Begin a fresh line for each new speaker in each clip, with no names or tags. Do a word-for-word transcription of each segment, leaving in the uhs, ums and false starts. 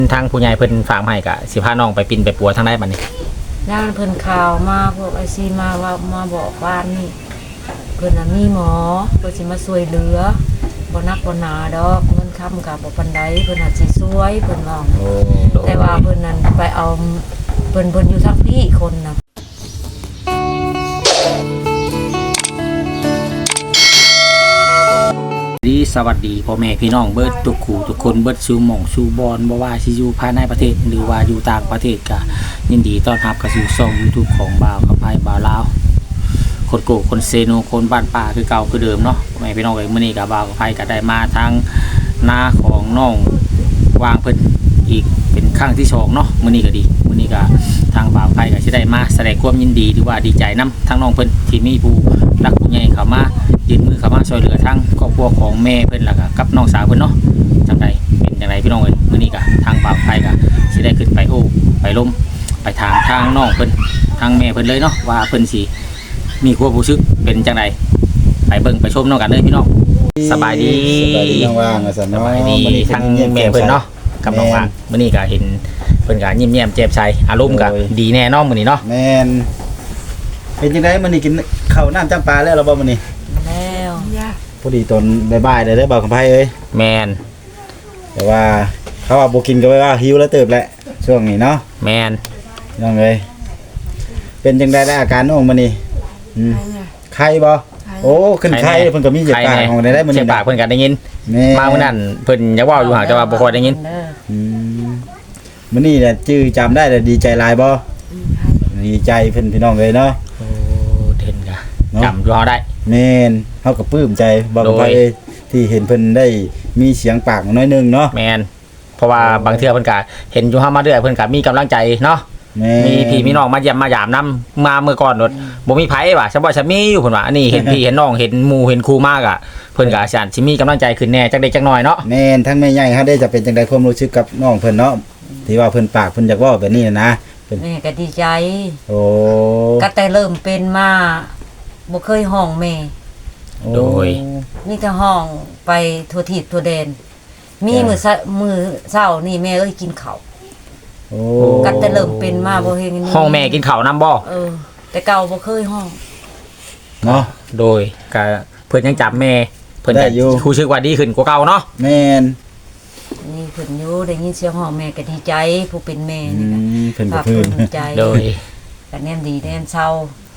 ทางผู้ใหญ่เพิ่นฝากมาให้ก็สิพาน้องไปปิ่นไปปัวทางใดบัดนี้
ย่านเพิ่นข่าวมาพวกไอซีมาว่ามาบอกว่านี่เพิ่นน่ะมีหมอเพิ่นสิมาช่วยเหลือบ่นักบ่หนาดอกเงินค้ำก็บ่ปานใดเพิ่นน่ะสิช่วยเพิ่นว่าแต่ว่าเพิ่นนั้นไปเอาเพิ่นเพิ่นอยู่ทางพี่คนน่ะ
ดีสวัสดีพ่อแม่พี่น้องเบิดทุกคู่ทุกคนเบิดสู่หม่องสู่บอนบ่ว่าสิอยู่ภายในประเทศหรือว่าอยู่ต่างประเทศก็ยินดีต้อนรับเข้าสู่ช่อง YouTube ของบ่าวกับไผบ่าวลาวคนโกคนเซโนคนบ้านป่าคือเก่าคือเดิมเนาะพ่อแม่พี่น้องเอ้ยมื้อนี้ก็บ่าวกับไผก็ได้มาทางนาของน้องวางเพิ่นอีกเป็นครั้งที่สองเนาะมื้อนี้ก็ดีมื้อนี้ก็ทางบ่าวไผก็สิได้มาแสดงความยินดีหรือว่าดีใจนํทั้งน้องเพิ่นที่มีผู้รักผู้ใหญ่เข้ามายื่นมือเข้ามาช่วยเหลือทั้งครอบครัวของแม่เพิ่นแล้วก็กับน้องสาวเพิ่นเนาะจังไดเป็นจังไดพี่น้องเอ้ยมื้อนี้ก็ทางบ่าวไผก็สิได้ขึ้นไปโอ้ไปล้มไปถามทางน้องเพิ่นทางแม่เพิ่นเลยเนาะว่าเพิ่นสิมีความรู้สึกเป็นจังไดไปเบิ่งไปชมน้องกันเลยพี่น้องสบายดี
สบายดีน้องว่างอ่ะซั่นเนาะ
สบายดีทางแม่เพิ่นเนาะกับน้องว่างมื้อนี้ก็เห็นเพิ่นก็ยิ้มแย้มแจ่มใสอารมณ์ก็ดีแน่นอนมื้อนี้เนาะ
แม่นเป็นจังไดมื้อนี้กินข้าวน้ำจำปาแล้วบ่มื้อนี้
แล้ว
พอดีตอนบ่ายๆได้ได้บ่าวคำไผเอ้ย
แม่น
แต่ว่าเขาว่าบ่กินก็ว่าหิวแล้วเติบแหละช่วงนี้เนาะ
แม่น
น้องเอ้ยเป็นจังไดได้อาการน้องมื้อนี้อืมไข้บ่โอ้ขึ้นไข้เพิ่นก็มีเจ็บปากของได้ได้มื้อนี้
เจ็บปากเพิ่นก็ได้ยินมามื้อนั้นเพิ่นอยากเว้าอยู่ห่างแต่ว่าบ่ค่อยได้ยิน
อืมมื้อนี้น่ะจื้อจำได้แล้วดีใจหลายบ่ดีใจเพิ่นพี่น้องเอ้ยเนาะ
โอ้เห็นก็จำอยู่เฮาได้
แม่นเฮาก็ปลื้มใจบ่ไปที่เห็นเพิ่นได้มีเสียงปากน้อยนึงเนาะ
แม่นเพราะว่าบางเทื่อเพิ่นก็เห็นอยู่เฮามาเรื่อยเพิ่นก็มีกำลังใจเนาะมีพี่มีน้องมาเยี่ยมมายามนํมาเมื่อก่อนโดดบ่มีไผว่ะฉันบ่ฉันมีอยู่เพิ่นว่าอันนี้เห็นพี่เห็นน้องเห็นหมู่เห็นครูมากอ่ะเพิ่นก็อาจารย์สิมีกำลังใจขึ้นแน่จักเด็กจักน้อยเนาะ
แม่นทั้งแม่ใหญ่เฮาได้จะเป็นจังได๋ความรู้สึกกับน้องเพิ่นเนาะที่ว่าเพิ่นปากเพิ่นอยากเว้าแบบนี้นะ
แม่ก็ดีใจ
โอ้
ก็แต่เริ่มเป็นมาบ่เคยห้องแม่
โดย
นี่แต่ห้องไปทั่วทิศทั่วแดนมีมื้อมื้อเช้านี่แม่เอ้ยกินข้าว
โอ้
ก็แต่เริ่มเป็นมาบ่เฮ็ดนี่
ห้องแม่กินข้าวนำบ่
เออแต่เก่าบ่เคยห้อง
เนาะ
โดยก็เพิ่นยังจับแม่เพิ่นได้รู้สึกว่าดีขึ้นกว่าเก่าเนาะ
แม่น
นี่เพิ่นอยู่ได้ยินเสียงห้องแม่ก็ดีใจผู้เป็นแม่นี่
ก็เพิ่นก็
เพิ่นใจ
โดย
ก็แน่นดีแน่นเศร้า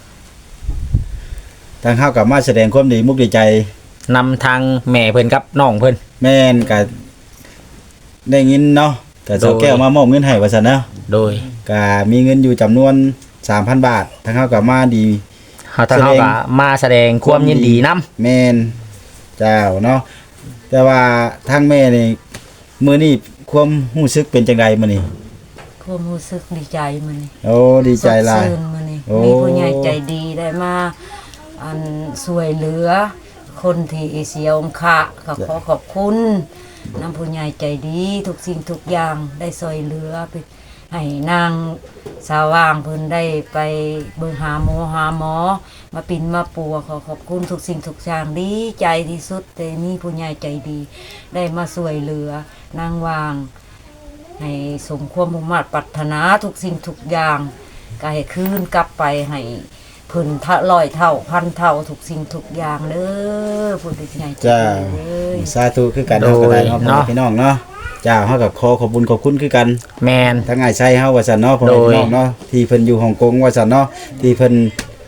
ทางเฮาก็มาแสดงความดีมุกดีใจ
นำทางแม่เพิ่นกับน้องเพิ่น
แม่นก็ได้ยินเนาะก็เจ้าแก้วมามอบเงินให้ว่าซั่นเนาะ
โดย
ก็มีเงินอยู่จำนวน สามพัน บาททางเฮาก็มาดี
เฮาทางเฮาก็มาแสดงความยินดีนำ
แม่นเจ้าเนาะแต่ว่าทางแม่นี่มื้อนี้ความรู้สึกเป็นจังไดมื้อนี้
ความรู้สึกดีใจมื้อนี้
โอ้ดีใจหลาย
มื้อนี้มีผู้ใหญ่ใจดีได้มาอันช่วยเหลือคนที่เสียองค์ะก็ขอขอบคุณน้ำผู้ใหญ่ใจดีทุกสิ่งทุกอย่างได้ช่วยเหลือไปให้นางสาว่างเพิ่นได้ไปเบิ่งหาหมอหาหมอมาปิ่นมาปัวขอขอบคุณทุกสิ่งทุกอย่างดีใจที่สุดแต่มีผู้ใหญ่ใจดีได้มาช่วยเหลือนางว่างให้สมความมุ่งมั่นปรารถนาทุกสิ่งทุกอย่างก็ให้คืนกลับไปให้เพิ่นทะร้อยเท่าพันเท่าทุกสิ่งทุกอย่างเด้อผู้ใหญ่
จ้าสาธุคือกันเฮาก็ได้เนาะพี่น้องเนาะจ้าเฮาก็ขอขอบคุณขอบคุณคือกัน
แม่น
ทั้งอ้ายไส้เฮาว่าซั่นเนาะพ่อพี่น้องเนาะที่เพิ่นอยู่ฮ่องกงว่าซั่นเนาะที่เพิ่น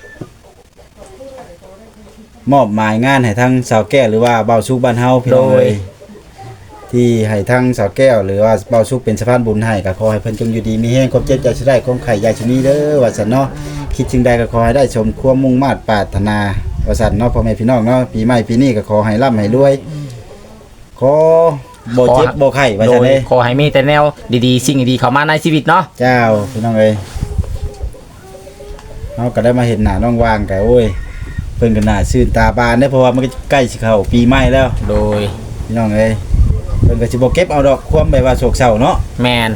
มอบหมายงานให้ทางสาวแก้วหรือว่าเบาสุกบ้านเฮาพี่น้องเอ้ยที่ให้ทางสาวแก้วหรือว่าเบาสุกเป็นสะพานบุญให้ก็ขอให้เพิ่นจงอยู่ดีมีแรงความเจ็บใจสิได้ความไข้ยาชนี้เด้อว่าซั่นเนาะคิดจึงใดก็ขอให้ได้สมความมุ่งมั่นปรารถนาว่าซั่นเนาะพ่อแม่พี่น้องเนาะปีใหม่ปีนี้ก็ขอให้ร่ำให้รวยขอบ่เจ็บบ่ไข้ว่าซั่นเด้
ขอให้มีแต่แนวดีๆสิ่งดีๆเข้ามาในชีวิตเนาะ
เจ้าพี่น้องเอ้ยเฮาก็ได้มาเห็นหน้าน้องว่างก็โอ้ยเพิ่นก็น่าชื่นตาบานได้เพราะว่ามันก็ใกล้สิเข้าปีใหม่แล้ว
โดย
พี่น้องเอ้ยเพิ่นก็สิบ่เก็บเอาดอกความแบบว่าโศกเศร้าเนาะ
แม่น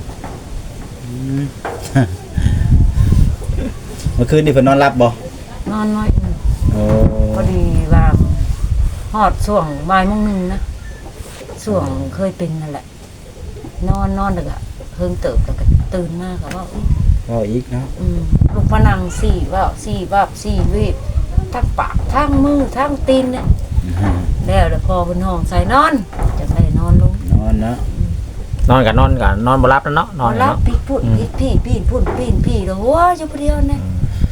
เมื่อคืนนี่เพิ่นนอนหลับบ่
นอนน้อย
โอ้
พอดีว่าฮอดช่วงบ่ายโมงนึงนะช่วงเคยเป็นนั่นแหละนอนนอนแล้วก็เพิ่งเติบแล้วก็ตื่นมาก็ว่าอุ๊ย
ก็อีกเนาะ
อืมลูกมานั่งสี่ว่าสี่ว่าสี่วีบทั้งปากทั้งมือทั้งตีนเนี่ยแล้วเดี๋ยวพอเป็นห้องใส่นอนจะใส่นอนลง
นอนเนาะ
นอนกับนอนกับนอนบ่รับแล้วเนาะนอน
รับ
เนาะ
พี่พูดพี่พี่พี่พูดพี่พี่แล้วว้าอยู่ผู้เดียวเนี่ย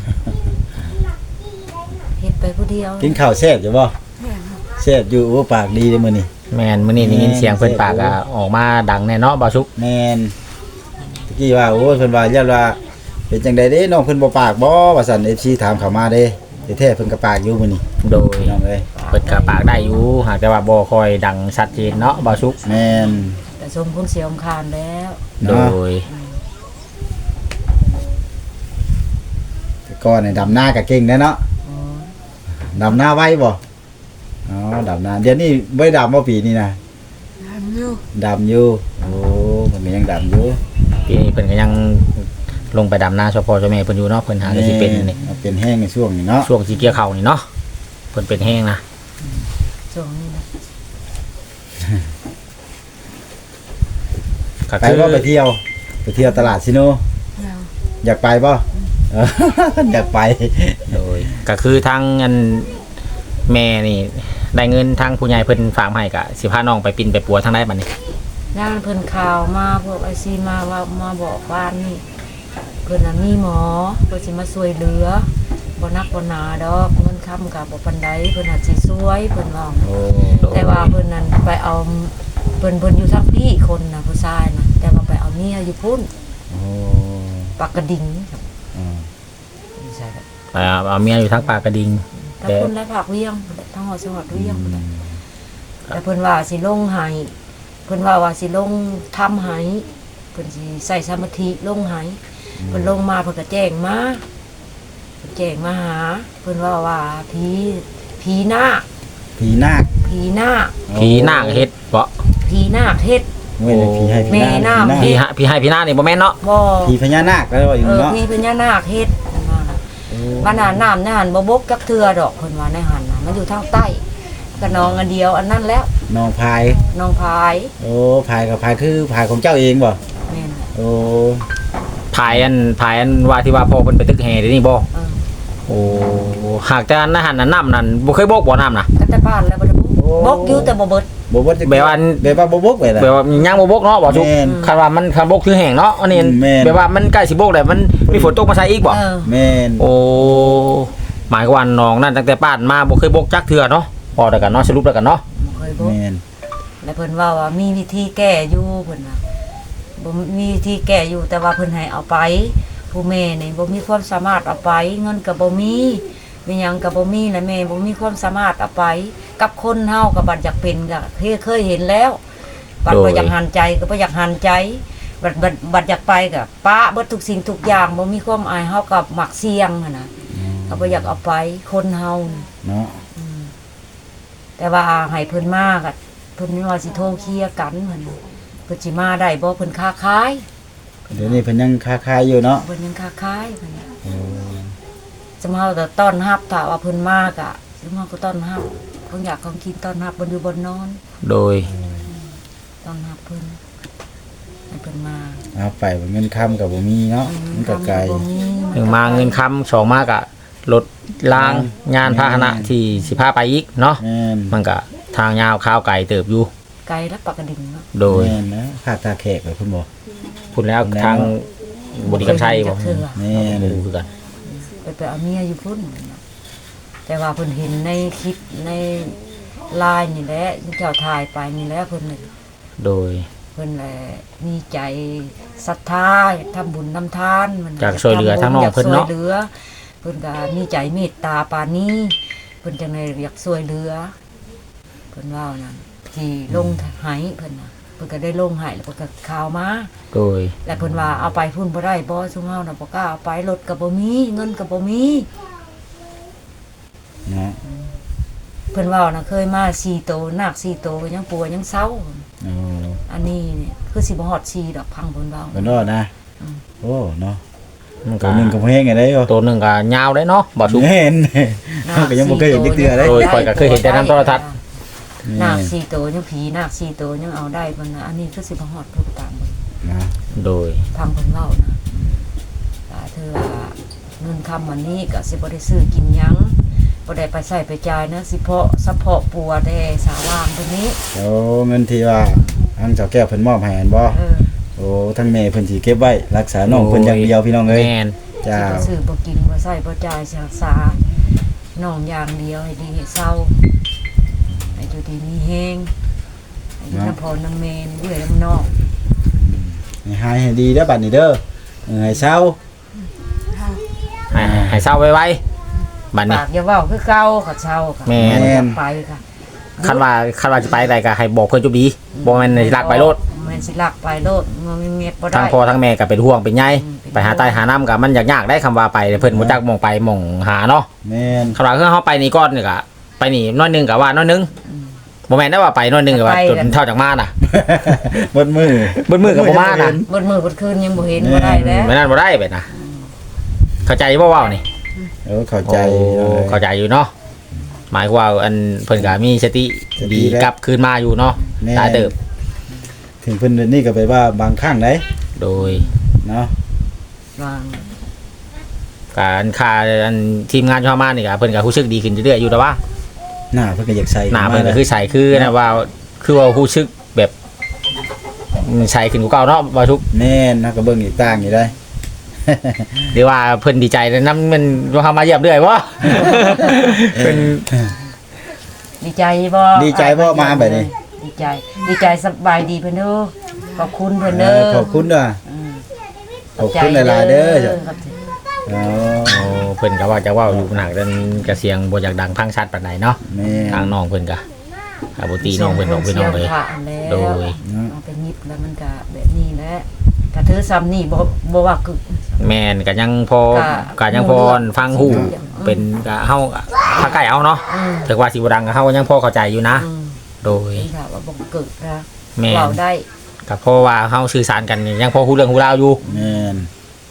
เฮ็ดไปผู้เดียว
กินข้าวแซ่บอยู่บ่แซ่บอยู่โอ้ปากดีเลยมื้อนี้
แม่นมื้อนี้ได้ยินเสียงเพิ่นปากก็ออกมาดังแน่เนาะบ่สุก
แม่นตะกี้ว่าโอ้ยเพิ่นว่าย่านว่าเป็นจังไดเด้น้องเพิ่นบ่ปากบ่ว่าซั่น เอฟ ซี ถามเข้ามาเด้แต่แท้เพิ่นก็ปากอยู่มื้อนี้
โดย
พี่น้องเอ้ย
เปิดกระปากได้อยู่หากแต่ว่าบ่ค่อยดังชัดเจนเนาะบ่สุก
แม่น
แต่สมคุณเสียมคานแล้ว
โด
เนาะ
ย
แต่ก่อนนี่ดำหน้าก็เก่งแน่เนาะ
อ๋อ
ดำหน้าไวบ่อ๋อดำหน้าเดี๋ยวนี้บ่ได้ดำบ่ปีนี้นะดำอยู่โอ้มันก็ยังดำอยู่
ปีนี้เพิ่นก็ยังลงไปดำนาเฉพาะเจ้าแม่เพิ่นอยู่เนาะเพิ่นหาก็สิเป็นนี่
แม่เป็นแห้งในช่วงนี้เนาะ
ช่วงสิเกี่ยวข้าวนี่เนาะเพิ่นเป็นแห้งนะ
ช่วงนี้นะ
ก็
ไป
คือ
บ่ไปเที่ยวไปเที่ยวตลาดซิโน
แล้ว
อยากไปบ่เออ อยากไป
โดยก็คือทางอันแม่นี่ได้เงินทางผู้ใหญ่เพิ่นฝากมาให้ก็สิพาน้องไปปิ่นไปปัวทางใดบัดนี้
ย่านเพิ่นข่าวมาพวกไอซีมาว่ามาบอกว่านี่เพิ่นน่ะมีหมอเพิ่นสิมาช่วยเหลือบ่นักบ่หนาดอกเงินค้ำก็บ่ปานใดเพิ่นน่ะสิช่วยเพิ่นว่า
โอ้
แต่ว่าเพิ่นนั้นไปเอาเพิ่นเพิ่นอยู่ทางพี่คนน่ะผู้ชายน่ะแต่ว่าไปเอาเมียอยู่พุ่น
โอ้
ปากกระดิ่ง
อ่า
ไม่ใช่ครับ
ไปเอาเอาเมียอยู่ทางปากกระดิ่ง
ถ้าคนได้ผักเวียงทั้งหอดจังหวัดเวียงพุ่นน่ะแต่เพิ่นว่าสิลงให้เพิ่นว่าว่าสิลงทำให้เพิ่นสิใส่สมาธิลงให้เพิ่นลงมาเพิ่นก็แจ้งมาเพิ่นแจ้งมาหาเพิ่นว่าว่าผีผีนาค
ผีนาค
ผีนาค
ผีนางเฮ็ดบ่
ผีนาคเฮ็ด
เว้ยผีให้ผี
แม่
นาค
น้ำ
ผี
ผี
นาค
ฮะผีให้ผีนาคนี่บ่แม่นเนาะ
บ่
ผีพญานาคแล้วว่าอยู่
เออ
เนาะ
ผีพญานาคเฮ็ดเพิ่นว่าน่ะบ้านน่ะน้ำในหันบ่บกจักเทื่อดอกเพิ่นว่าในหันน่ะมันอยู่ทางใต้ก็นองอันเดียวอันนั้นแล้ว
น้องพาย
น้องพาย
โอ้พายกับพายคือพายของเจ้าเองบ่
แม่น
โอ้
ภายอันภายอันว่าที่ว่าพ่อเพิ่นไปตึกแห่เดี๋ยวนี้บ่
เออ
โอ้หากแต่อันนั้นหันน่ะน้ำนั่นบ่เคยบกบ่น้ำน่ะ
ก็แต่บ้านแล้วบ่ได้บกบกอยู่แต่บ่เบิด
บ่บ่จะ
แบบว่า
แบบว่าบ่บกไปล่ะ
แบบว่ายังบ่บกเนาะบ่จุก
แม่น
คันว่ามันคันบกคือแห้งเนาะอันนี้
แม่น
แบบว่ามันใกล้สิบกแล้วมันมีฝนตกมาใส่อีกบ่
เออ
แม่น
โอ้หมายความว่าน้องนั่นตั้งแต่ป้านมาบ่เคยบกจักเทื่อเนาะพอแล้วกันเนาะสรุปแล้วกันเนาะ
บ่เคยบก
แม่น
แล้วเพิ่นว่าว่ามีวิธีแก้อยู่เพิ่นว่าบ่มีวิธีแก้อยู่แต่ว่าเพิ่นให้เอาไป ผู้แม่นี่บ่มีความสามารถเอาไป เงินก็บ่มีมีหยังก็บ่มีและแม่บ่มีความสามารถเอาไป กับคนเฮาก็บัดอยากเป็นก็เคยเคยเห็นแล้วบัดบ่อยากหันใจก็บ่อยากหันใจบัดบัดบัดอยากไปก็ป้าเบิดทุกสิ่งทุกอย่างบ่มีความอายเฮาก็มักเสี่ยงหันน่ะก็บ่อยากเอาไปคนเฮานี่
เนาะ
แต่ว่าให้เพิ่นมาก็เพิ่นว่าสิโทรเคลียร์กันเหมือนเพิ่นสิมาได้บ่เพิ่นค้าขาย
เดี๋ยวนี้เพิ่นยังค้าขายอยู่เนาะ
เพิ่นยังค้าขายเพิ่นน่ะ
โอ้
สมเฮาแต่ต้อนรับถ้าว่าเพิ่นมาก็สมเฮาก็ต้อนรับของอยากของกินต้อนรับบนอยู่บนนอน
โดย
ต้อนรับเพิ่นให้เพิ่นมา
เอาไปเงินค้ำก็บ่มีเนาะมันก็ไกล
บ่มี
หนึ่งมาเงินค้ำสองมากะรถล้างงานพาหนะที่สิพาไปอีกเนาะ
แม่น
มันก็ทางยาวข้าวไก่เติบอยู่
ไกลและปากกระดิ่งเนาะ
โดย
แม่นนะภาคตาแขกไปเพิ่นบ่
พูดแล้วทางบริการชัยบ่
เทื่อ
แม่น
รู้คือกัน
ไปไปเอาเมียอยู่พุ่นแต่ว่าเพิ่นเห็นในคลิปในไลน์นี่แหละที่เจ้าถ่ายไปนี่แหละเพิ่นน่ะ
โดย
เพิ่นแหละมีใจศรัทธาอยากทำบุญทำทานมัน
อยากช่วยเหลือทั้งน้องเพิ่นเนาะ
อยกช่วยเหลือเพิ่นก็มีใจเมตตาปานนี้เพิ่นจังได๋อยากช่วยเหลือเพิ่นว่านั่นที่ลงให้เพิ่นน่ะเพิ่นก็ได้ลงให้แล้วเพิ่นก็ข่าวมา
โดย
แล้วเพิ่นว่าเอาไปพุ่นบ่ได้บ่ซุมเฮาน่ะบ่กล้าเอาไปรถก็บ่มีเงินก็บ่มี
เนาะ
เพิ่นว่าน่ะเคยมาสี่โตนาคสี่โตก็ยังปัวยังเซา
โอ้
อันนี้เนี่ยคือสิบ่ฮอดสี่ดอกพังเพิ่นเว้า
เพิ่นรอดนะโอ้เนาะ
มัน
ตั
ก็
วหนึงก็บ่แห้งไงได้บ่
ตัวหนึงก็ยาวได้เนาะบ่สุก
แม่นเขาก็ยังบ่เคยเห็นจักเทื่อเลย
โดย ข้อยก็เคยเห็นแต่นำโทรทัศน์
นาคสี่ตัวยังผีนาคสี่ตัวยังเอาได้มันนะอันนี้คือสิบหอดทุกตาม
นะ
โดย
พังคนเล่านะแต่เธอว่าเงินคำวันนี้ก็สิบ่ได้ซื้อกินหยังบ่ได้ไปใส่ไปจ่ายนะสิเพาะสะเพาะปัวได้สาว่างตัวนี้
โอ้เงินที่ว่าทางเจ้าแก้วเพิ่นมอบให้อันบ่
เออ
โอ้ทั้งแม่เพิ่นสิเก็บไว้รักษาน้องเพิ่นอย่างเดียวพี่น้องเอ้ย
แม่น
จ้า
สิบ่ซื้อบ่กินบ่ใส่บ่จ่ายสิรักษาน้องอย่างเดียวให้ดีให้เศร้าให้อยู่ดีมีแฮงให้อยู่น้ำพอน้ำเมนเอื้อยน้ำนอก
ให้หายให้ดีเด้อบัดนี้เด้อเออให้เศร้า
ให้ให้เศร้าไว้ๆบัดนี้
ปากอย่าเว้าคือเก่าก็เศร้าค่ะ
แม่น
อย่าไปค่ะ
คันว่าคันว่าจะไปใดก็ให้บอกเพิ่นจุบดีบ่แม่นสิลักไปโลด
แม่นสิลักไปโลดมันมีเม็ดบ่ได้
ทั้งพ่อทั้งแม่ก็เป็นห่วงเป็นใย
อืมเป็น
ไปหาใต้หาน้ำก็มันยากๆได้คำว่าไปเพิ่นบ่จักหมองไปหมองหาเนาะ
แม่น
คำว่าคือเฮาไปนี่ก่อนนี่ก็ไปนี่น้อยหนึงก็ว่าน้อยหนึงบ่แม่นได้ว่าไปน้อยหนึงก็ว่าจนเท่าจากมาน่ะ
เบิดมือ
เบิดมือก็บ่มาน่ะ
บนมือบนคืนยังบ่เห็นบ่ได้แล้ว
ไม่นั่นบ่ได้ไปนะเข้าใจบ่เว้านี่
เออเข้าใจ
โอ้
เลย
เข้าใจอยู่เนาะหมายความว่าอันเพิ่นก็มีสติ
สติ
ดี
แล้ว
กลับคืนมาอยู่เนาะ
แม่
ตายเติบ
ถึงเพิ่นนี่ก็ไปว่าบางครั้งได้
โดย
เนาะ
วาง
การค่าอันทีมงานเข้ามานี่ก็เพิ่นก็รู้สึกดีขึ้นเรื่อยๆอยู่แต่ว่า
หน้าเพิ่นก็อยากใส่
หน้าเพิ่นก็คือใสคือนะว่าคือว่ารู้สึกแบบใสขึ้นกว่าเก่าเนาะว่าทุก
แม่นนะก็เบิ่งอีกต่างอยู่ได้
หรือว่าเพิ่นดีใจแล้วนำมันว่าเข้ามาเยี่ยมเรื่อยบ่ เพิ่น
ดีใจบ่
ดีใจบ่มาแบบนี้
ดีใจ ดีใจสบายดีเพิ่นเด้อขอบคุณเพิ่น
เอ
เด้
อ
อ
ขอบคุณด้วย
ม
ขอบคุณหลายๆเด้อ
ขอบใจ
อ๋อ
โอ้เพิ่นก็ว่าจะเว้าอยู่หนักเรื่องกระเสียงบ่อยากดังพังชัดปานใดเนาะ
แม่
ทางน้องเพิ่นก็อาบ่ตีน้องเพิ่นน้องเพิ่นน้องเลย
สีพระแล้ว
โดย
เอาไปยิบแล้วมันก็แบบนี้แหละถ้าถือซ้ำนี่บ่บ่ว่าคือ
แม่นก็ยังพอ
ก็
ก็ยังพอฟังฮู้
อืม
เป็นก็เฮาถ้าใกล้เอาเนาะ
อืม
ถึงว่าสิบ่ดังก็เฮายังพอเข้าใจอยู่นะ
อืม
โดย
นี่ค่ะว่าบ่เกิดนะ
แม่น
เว้าได้
ก็เพราะว่าเฮาสื่อสารกันยังพอฮู้เรื่องฮู้ราวอยู่
แม่น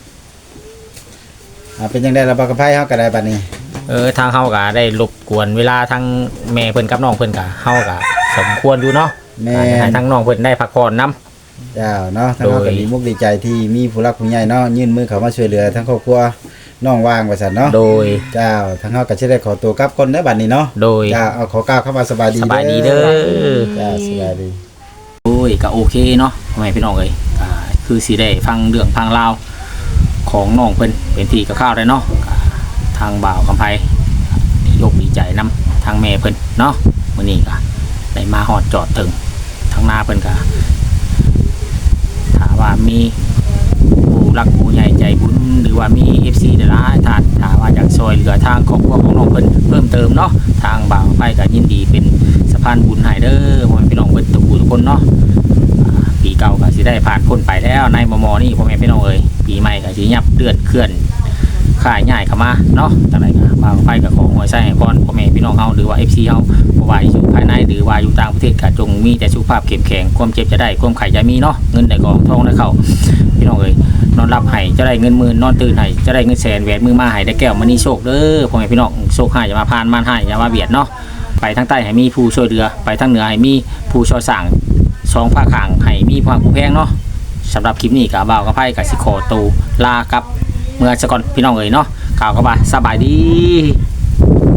อ่าเป็นจังได๋ล่ะบ่กับไผเฮาก็ได้บัดนี้
เออทางเฮาก็ได้รบกวนเวลาทั้งแม่เพิ่นกับน้องเพิ่นก็เฮาก็สมควรอยู่เนาะ
แม่
ก็ให้
น
ทั้งน้องเพิ่นได้พักผ่อนนํ
เจ้าเนาะทั้งเฮา
โด
ก็
ย
ดีมุกดีใจที่มีผู้รักผู้ใหญ่เนาะยื่นมือเข้ามาช่วยเหลือทั้งครอบครัวน้องว่างว่าซั่นเนาะ
โดย
เจ้าทั้งเฮาก็สิได้ขอตัวกลับก่อนเด้อบัดนี้เนาะ
โดย
เจ้าเอาขอกล่าวเข้ามาสบายดี
สบายดีเด้อ
เจ้าสบายดี
โอ้ยก็โอเคเนาะพ่อแม่พี่น้องเอ้ยก็คือสิได้ฟังเรื่องฟังราวของน้องเพิ่นเป็นที่กระข้าวได้เนาะก็ทางบ่าวกำไพยกดีใจนํทางแม่เพิ่นเนาะมื้อนี้ก็ได้มาฮอดจอดถึงทางหน้าเพิ่นก็ถ้าว่ามีผู้รักผู้ใหญ่ใจบุญหรือว่ามี เอฟ ซี หลายๆท่านถ้าว่าอยากช่วยเหลือทางครอบครัวของน้องเพิ่นเพิ่มเติมเนาะทางบ่าวกำไพก็ยินดีเป็นสะพานบุญให้เด้อพ่อแม่พี่น้องเพิ่นทุกผู้ทุกคนเนาะ ปีเก่าก็สิได้ผ่านพ้นไปแล้วในมมนี่พ่อแม่พี่น้องเอ้ยปีใหม่ก็สิยับเดือนเคลื่อนข่ายง่ายเข้ามาเนาะจังไดก็บ่าวไฟกับของหัวใจให้พรพ่อแม่พี่น้องเฮาหรือว่า เอฟ ซี เฮาบ่ว่าอยู่ภายในหรือว่าอยู่ต่างประเทศก็จงมีแต่สุขภาพเข้มแข็งความเจ็บจะได้ความไข้จะมีเนาะเงินได้กองทองได้เข้าพี่น้องเอ้ยนอนหลับให้จะได้เงินหมื่นนอนตื่นให้จะได้เงินแสนแหวนมือมาให้ได้แก้วมณีโชคเด้อพ่อแม่พี่น้องโชคให้อย่ามาพานมานให้อย่ามาเบียดเนาะไปทางใต้ให้มีผู้ช่วยเหลือไปทางเหนือให้มีผู้ช่วยสร้าง สองภาคข้างให้มีความผู้แพงเนาะสำหรับคลิปนี้กับบ่าวกับไพ่กับสิโคตูลากับเมื่อสก่อนพี่น้องเอ๋ยเนาะกล่าวกับว่าสบายดี